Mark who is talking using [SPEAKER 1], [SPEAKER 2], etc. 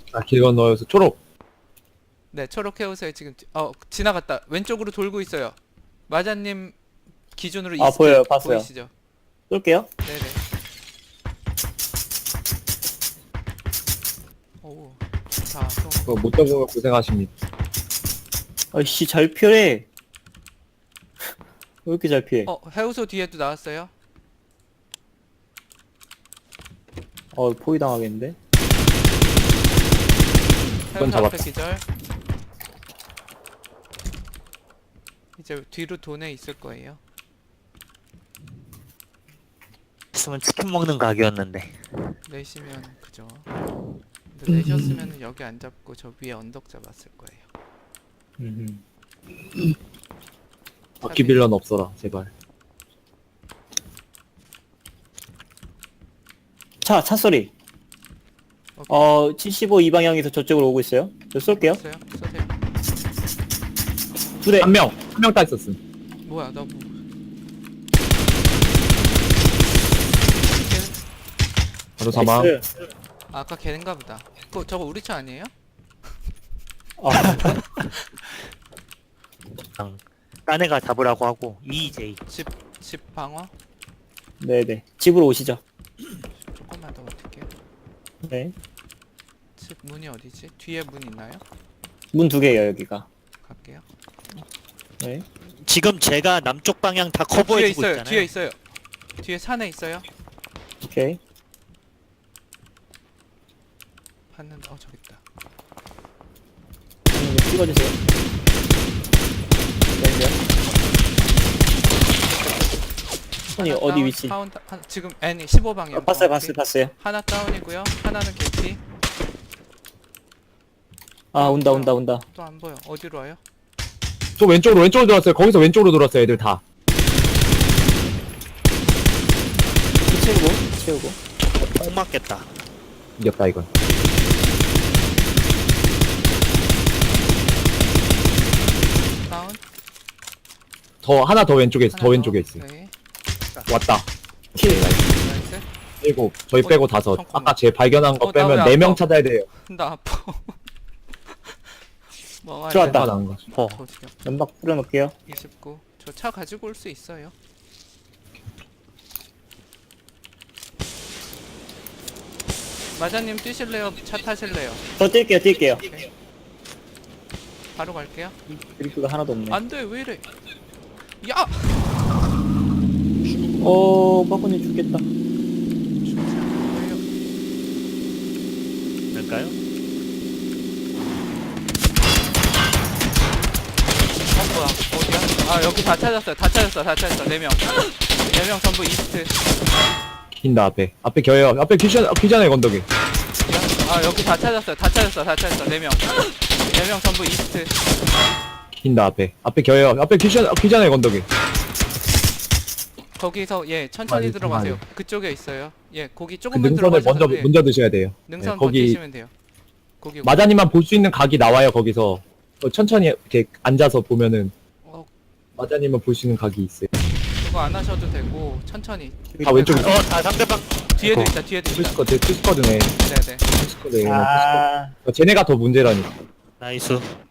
[SPEAKER 1] 아, 길 건너여서 초록.
[SPEAKER 2] 네, 초록 해우소에 지금 지나갔다. 왼쪽으로 돌고 있어요. 마자님 기준으로
[SPEAKER 3] 아,
[SPEAKER 2] 이스트
[SPEAKER 3] 보여요. 봤어요.
[SPEAKER 2] 보이시죠?
[SPEAKER 3] 쏠게요.
[SPEAKER 2] 네네. 오, 자,
[SPEAKER 1] 그거 못 잡으면 고생하십니다.
[SPEAKER 3] 아이씨, 잘 피해. 왜 이렇게 잘 피해?
[SPEAKER 2] 해우소 뒤에도 나왔어요.
[SPEAKER 3] 포위 당하겠는데?
[SPEAKER 2] 해우소
[SPEAKER 1] 잡았다.
[SPEAKER 2] 앞에 기절. 이제 뒤로 돈에 있을 거예요.
[SPEAKER 4] 있으면 치킨 먹는 각이었는데.
[SPEAKER 2] 내시면 그죠. 근데 내셨으면 여기 안 잡고 저 위에 언덕 잡았을 거예요.
[SPEAKER 1] 바퀴 빌런 없어라, 제발.
[SPEAKER 3] 차 소리. 75 이 방향에서 저쪽으로 오고 있어요. 저 쏠게요.
[SPEAKER 2] 있어요? 쏘세요.
[SPEAKER 3] 두 대.
[SPEAKER 1] 한 명 딱 있었음.
[SPEAKER 2] 뭐야, 나 뭐.
[SPEAKER 1] 바로 사망.
[SPEAKER 3] 나이스.
[SPEAKER 2] 아까 걔인가 보다. 저거 우리 차 아니에요?
[SPEAKER 3] 아,
[SPEAKER 4] 딴 애가 잡으라고 하고 EJ.
[SPEAKER 2] 집 방어?
[SPEAKER 3] 네네. 집으로 오시죠.
[SPEAKER 2] 조금만 더 어떻게?
[SPEAKER 3] 네.
[SPEAKER 2] 집 문이 어디지? 뒤에 문 있나요?
[SPEAKER 3] 문 두 개예요, 여기가.
[SPEAKER 2] 갈게요.
[SPEAKER 3] 네.
[SPEAKER 4] 지금 제가 남쪽 방향 다
[SPEAKER 2] 뒤에
[SPEAKER 4] 커버해주고
[SPEAKER 2] 있어요.
[SPEAKER 4] 있잖아요.
[SPEAKER 2] 뒤에 있어요. 뒤에 산에 있어요.
[SPEAKER 3] 오케이.
[SPEAKER 2] 봤는데 저기 있다.
[SPEAKER 3] 이제 찍어주세요. 네. 손이
[SPEAKER 2] 하나
[SPEAKER 3] 어디
[SPEAKER 2] 다운,
[SPEAKER 3] 위치?
[SPEAKER 2] 지금 N 15방향.
[SPEAKER 3] 봤어요.
[SPEAKER 2] 하나 다운이고요. 하나는 개피.
[SPEAKER 3] 아, 온다.
[SPEAKER 2] 또 안 보여. 어디로 와요?
[SPEAKER 1] 저 왼쪽으로 돌았어요. 거기서 왼쪽으로 돌았어요, 애들 다.
[SPEAKER 3] 채우고.
[SPEAKER 4] 꼭 맞겠다.
[SPEAKER 1] 이겼다, 이건.
[SPEAKER 2] 다운.
[SPEAKER 1] 하나 더 왼쪽에 있어, 더
[SPEAKER 2] 하나
[SPEAKER 1] 왼쪽에 있어.
[SPEAKER 2] 네.
[SPEAKER 1] 왔다.
[SPEAKER 3] 킬.
[SPEAKER 2] 나이스.
[SPEAKER 1] 일곱. 저희 빼고 다섯.
[SPEAKER 2] 잠깐만.
[SPEAKER 1] 아까 제 발견한 거
[SPEAKER 2] 나 왜
[SPEAKER 1] 빼면
[SPEAKER 2] 아파?
[SPEAKER 1] 4명 찾아야 돼요.
[SPEAKER 2] 나 아파. 뭐
[SPEAKER 3] 들어왔다.
[SPEAKER 1] 나온 거.
[SPEAKER 3] 연막 뿌려놓을게요.
[SPEAKER 2] 29. 저 차 가지고 올 수 있어요. 마자님 뛰실래요? 차 타실래요?
[SPEAKER 3] 저 뛸게요.
[SPEAKER 2] 오케이. 바로 갈게요.
[SPEAKER 3] 드리프가 하나도 없네.
[SPEAKER 2] 안돼, 왜 이래? 야!
[SPEAKER 3] 빠꾸님 죽겠다.
[SPEAKER 2] 죽지 않을 거예요.
[SPEAKER 4] 될까요?
[SPEAKER 2] 뭐야? 어디야? 여기 다 찾았어. 4명. 4명 전부 이스트.
[SPEAKER 1] 긴다, 앞에. 앞에 겨요. 앞에 귀잖아요, 건더기.
[SPEAKER 2] 여기 다 찾았어. 4명. 4명 전부 이스트.
[SPEAKER 1] 긴다, 앞에. 앞에 겨요. 앞에 귀잖아요, 건더기.
[SPEAKER 2] 거기서 천천히
[SPEAKER 1] 아니,
[SPEAKER 2] 들어가세요.
[SPEAKER 1] 잠깐만요.
[SPEAKER 2] 그쪽에 있어요. 거기
[SPEAKER 1] 그
[SPEAKER 2] 조금만
[SPEAKER 1] 능선을
[SPEAKER 2] 들어가셔서
[SPEAKER 1] 먼저 드셔야 돼요.
[SPEAKER 2] 능선
[SPEAKER 1] 네, 거기
[SPEAKER 2] 버티시면 돼요. 거기
[SPEAKER 1] 마자님만 볼 수 있는 각이 나와요, 거기서. 천천히 이렇게 앉아서 보면은
[SPEAKER 2] 어,
[SPEAKER 1] 마자님만 볼 수 있는 각이 있어요.
[SPEAKER 2] 그거 안 하셔도 되고 천천히.
[SPEAKER 1] 다 왼쪽에
[SPEAKER 4] 다 상대방.
[SPEAKER 2] 뒤에도 있다.
[SPEAKER 1] 투스커드네.
[SPEAKER 2] 네네.
[SPEAKER 1] 투스커드.
[SPEAKER 3] 아,
[SPEAKER 1] 쟤네가 더 문제라니까.
[SPEAKER 4] 나이스.